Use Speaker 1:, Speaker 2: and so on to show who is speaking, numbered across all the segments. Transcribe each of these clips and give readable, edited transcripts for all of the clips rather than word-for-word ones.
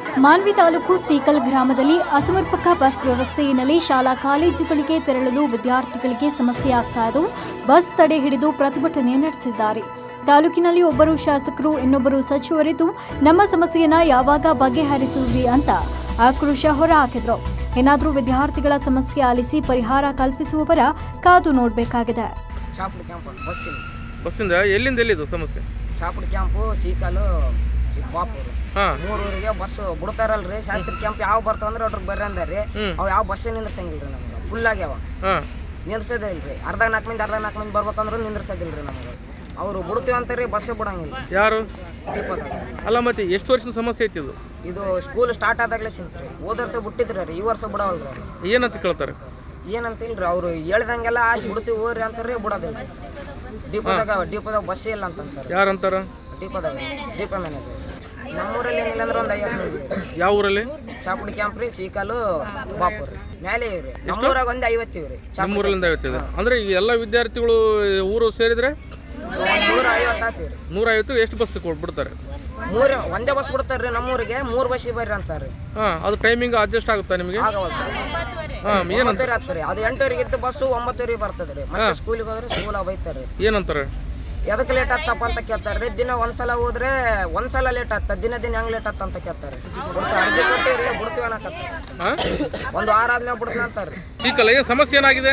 Speaker 1: ಮಾನ್ವಿ ತಾಲೂಕು ಸೀಕಲ್ ಗ್ರಾಮದಲ್ಲಿ ಅಸಮರ್ಪಕ ಬಸ್ ವ್ಯವಸ್ಥೆ ಹಿನ್ನೆಲೆ ಶಾಲಾ ಕಾಲೇಜುಗಳಿಗೆ ತೆರಳಲು ವಿದ್ಯಾರ್ಥಿಗಳಿಗೆ ಸಮಸ್ಯೆ ಆಗ್ತಾ ಇದ್ದು ಬಸ್ ತಡೆ ಹಿಡಿದು ಪ್ರತಿಭಟನೆ ನಡೆಸಿದ್ದಾರೆ. ತಾಲೂಕಿನಲ್ಲಿ ಒಬ್ಬರು ಶಾಸಕರು, ಇನ್ನೊಬ್ಬರು ಸಚಿವರಿದ್ದು ನಮ್ಮ ಸಮಸ್ಯೆಯನ್ನ ಯಾವಾಗ ಬಗೆಹರಿಸುವುದಿ ಅಂತ ಆಕ್ರೋಶ ಹೊರಹಾಕಿದ್ರು. ಏನಾದರೂ ವಿದ್ಯಾರ್ಥಿಗಳ ಸಮಸ್ಯೆ ಆಲಿಸಿ ಪರಿಹಾರ ಕಲ್ಪಿಸುವವರ ಕಾದು ನೋಡಬೇಕಾಗಿದೆ.
Speaker 2: ಚಾಪುಡಿ ಕ್ಯಾಂಪ್
Speaker 3: ಬಸ್ಸಿಂದ ಎಲ್ಲಿಂದ ಎಲ್ಲಿದು ಸಮಸ್ಯೆ?
Speaker 2: ಚಾಪುಡಿ ಕ್ಯಾಂಪು, ಸೀಕಲು, ಬಾಪೂರು 3 ಊರಿಗೆ ಬಸ್ ಬಿಡ್ತಾರಲ್ರಿ. ಶಾಸ್ತ್ರಿ ಕ್ಯಾಂಪ್ ಯಾವ ಬರ್ತಾವಂದ್ರೆ ಅದ್ರ ಬರ್ರಿ ಅಂದಾರ್ರಿ. ಅವು ಯಾವ ಬಸ್ ನಿಂದ್ರಸಂಗಿಲ್ರಿ ನಮ್ಗೆ. ಫುಲ್ ಆಗ್ಯಾವ, ನಿಂದ್ರಸೋದೇ ಇಲ್ರಿ. ಅರ್ಧ 4 ಮಂದಿ ಬರ್ಬೇಕಂದ್ರೆ ನಿಂದ್ರಸೋದಿಲ್ರಿ ನಮ್ಗೆ. ಅವರು ಬಿಡ್ತೀವಿ ಅಂತಾರೆ, ಬಸ್ಸೇ ಬಿಡಂಗಿಲ್ಲ.
Speaker 3: ಯಾರು? ಅಲ್ಲ ಮತ್ತೆ ಎಷ್ಟು ವರ್ಷದ ಸಮಸ್ಯೆ ಐತಿ ಇದು?
Speaker 2: ಇದು ಸ್ಕೂಲ್ ಸ್ಟಾರ್ಟ್ ಆದಾಗಲೇ ಸಿಂತ್ರಿ. ಹೋದ ವರ್ಷ ಬಿಟ್ಟಿದ್ರಿ, ಈ ವರ್ಷ ಬಿಡವಲ್ರಿ.
Speaker 3: ಏನಂತ ಕೇಳ್ತಾರೆ?
Speaker 2: ಏನಂತ ಇಲ್ರಿ, ಅವ್ರು ಹೇಳ್ದಂಗೆಲ್ಲ ಆಗಿ ಬಿಡ್ತೀವಿ ಹೋರಿ ಅಂತಾರೆ, ಬಿಡೋದಿಲ್ಲ. ಡಿಪೋದಾಗ ಬಸ್ಸೇ ಇಲ್ಲ ಅಂತಂತಾರೆ.
Speaker 3: ಯಾರಂತಾರ?
Speaker 2: Depot manager. ನಮ್ಮೂರಲ್ಲಿ ಏನಿಲ್ಲ ಅಂದ್ರೆ ಒಂದು 50 ಮಂದಿ.
Speaker 3: ಯಾವ ಊರಲ್ಲಿ?
Speaker 2: ಚಾಪುಡಿ ಕ್ಯಾಂಪ್ ರೀ, ಸೀಕಲು, ಬಾಪೂರ್ ಮೇಲೆ ಇವ್ರಿ. ನಮ್ಮೂರಾಗ ಒಂದು 50 ಇವ್ರಿ.
Speaker 3: ನಮ್ಮೂರಲ್ಲಿಂದ 50 ಇದೆ ಅಂದ್ರೆ ಈಗ ಎಲ್ಲ ವಿದ್ಯಾರ್ಥಿಗಳು ಊರು ಸೇರಿದ್ರೆ
Speaker 2: 150 ಆತೀವ್ರಿ.
Speaker 3: 150 ಎಷ್ಟು ಬಸ್ ಕೊಟ್ಬಿಡ್ತಾರೆ?
Speaker 2: ಒಂದೇ ಬಸ್ ಬಿಡ್ತಾರ್ರಿ. ನಮ್ಮೂರಿಗೆ 3 ಬಸ್ಸಿಗೆ ಬರ್ರಿ ಅಂತಾರ್ರಿ.
Speaker 3: ಅದು ಟೈಮಿಂಗ್ ಅಡ್ಜಸ್ಟ್ ಆಗುತ್ತಾ ನಿಮಗೆ?
Speaker 2: ಏನಂತಾರೆ ಆಗ್ತಾರೆ. ಅದು 8 ಇದ್ದು ಬಸ್ಸು 9 ಬರ್ತದ್ರಿ. ಮತ್ತೆ ಸ್ಕೂಲಿಗೆ ಹೋದ್ರೆ ಸ್ಕೂಲಾಗ ಬೈತಾರೆ.
Speaker 3: ಏನಂತಾರೆ?
Speaker 2: ಎದಕ್ಕೆ ಲೇಟ್ ಆಗ್ತಪ್ಪ ಅಂತ ಕೇಳ್ತಾರ್ರಿ. ದಿನ ಒಂದ್ಸಲ ಹೋದ್ರೆ ಒಂದ್ಸಲ ಲೇಟ್ ಆಗ್ತದ, ದಿನ ಹೆಂಗ್ ಲೇಟ್ ಆಗ್ತ ಅಂತ ಕೇಳ್ತಾರೆ. ಅರ್ಜಿ ಕೊಟ್ಟಿರಿ, ಬಿಡ್ತೀವಿ ಅನ್ನಕತ್ತ. 1 ವಾರ ಆದ್ಮೇಲೆ ಬಿಡ್ತೀನಿ ಅಂತಾರ್ರಿ.
Speaker 3: ಸೀಕಲ್ ಏನು ಸಮಸ್ಯೆ ಏನಾಗಿದೆ?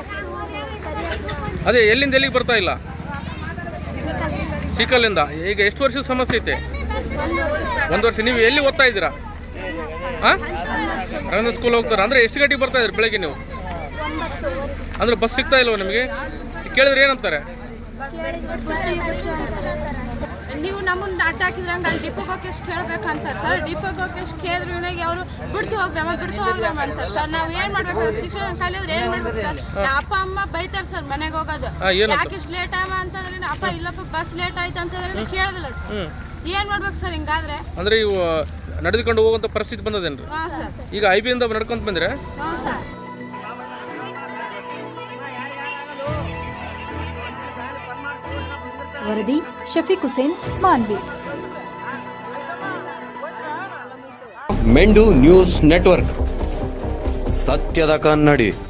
Speaker 3: ಅದೇ ಎಲ್ಲಿಂದ ಎಲ್ಲಿಗೆ ಬರ್ತಾ ಇಲ್ಲ? ಸೀಕಲ್ಲಿಂದ. ಈಗ ಎಷ್ಟು ವರ್ಷದ ಸಮಸ್ಯೆ ಐತೆ? 1 ವರ್ಷ. ನೀವು ಎಲ್ಲಿ ಓದ್ತಾ ಇದ್ದೀರಾ? ರವೀಂದ್ರ ಸ್ಕೂಲ್ ಹೋಗ್ತಾರೆ ಅಂದ್ರೆ ಎಷ್ಟು ಗಂಟೆಗೆ ಬರ್ತಾ ಇದ್ರಿ ಬೆಳಗ್ಗೆ ನೀವು? ಅಂದ್ರೆ ಬಸ್ ಸಿಗ್ತಾ ಇಲ್ವ ನಿಮಗೆ? ಕೇಳಿದ್ರೆ ಏನಂತಾರೆ?
Speaker 4: ನೀವು ನಮ್ಮನ್ನ ಅಡ್ಡ ಹಾಕಿದ್ರಂಗೆ ಅಲ್ಲಿ ಡಿಪೋಗೆ ಹೋಗಿ ಎಷ್ಟು ಕೇಳ್ಬೇಕಂತಾರೆ ಸರ್. ಡಿಪೋಗೆ ಹೋಗಿ ಎಷ್ಟು ಕೇಳಿದ್ರೆ ನನಗೆ ಅವರು ಬಿಡ್ತು ಹೋಗ್ರಮ್ಮ ಅಂತಾರೆ ಸರ್. ನಾವು ಏನು ಮಾಡ್ಬೇಕು? ಶಿಕ್ಷಣ ಕಲಿಯೋದ್ರೆ ಏನು ಮಾಡ್ಬೇಕು ಸರ್? ಅಪ್ಪ ಅಮ್ಮ ಬೈತಾರೆ ಸರ್ ಮನೆಗೆ ಹೋಗೋದು. ಯಾಕೆ ಇಷ್ಟು ಲೇಟ್ ಆಗ ಅಂತಂದ್ರೆ, ಅಪ್ಪ ಇಲ್ಲಪ್ಪ ಬಸ್ ಲೇಟ್ ಆಯ್ತು ಅಂತಂದ್ರೆ ಕೇಳೋದಿಲ್ಲ ಸರ್. ಏನು ಮಾಡ್ಬೇಕು ಸರ್ ಹಿಂಗಾದ್ರೆ?
Speaker 3: ಅಂದ್ರೆ ಇವು ನಡೆದುಕೊಂಡು ಹೋಗುವಂಥ ಪರಿಸ್ಥಿತಿ ಬಂದದೇನ್ರಿ?
Speaker 4: ಹಾಂ ಸರ್.
Speaker 3: ಈಗ IB ನಡ್ಕೊಂತ ಬಂದ್ರೆ?
Speaker 4: ಹಾಂ ಸರ್.
Speaker 1: ವರದಿ ಶಫೀಕ್ ಹುಸೇನ್, ಮಾನ್ವಿ.
Speaker 5: ಮೆಂಡು ನ್ಯೂಸ್ ನೆಟ್ವರ್ಕ್, ಸತ್ಯದ ಕನ್ನಡಿ.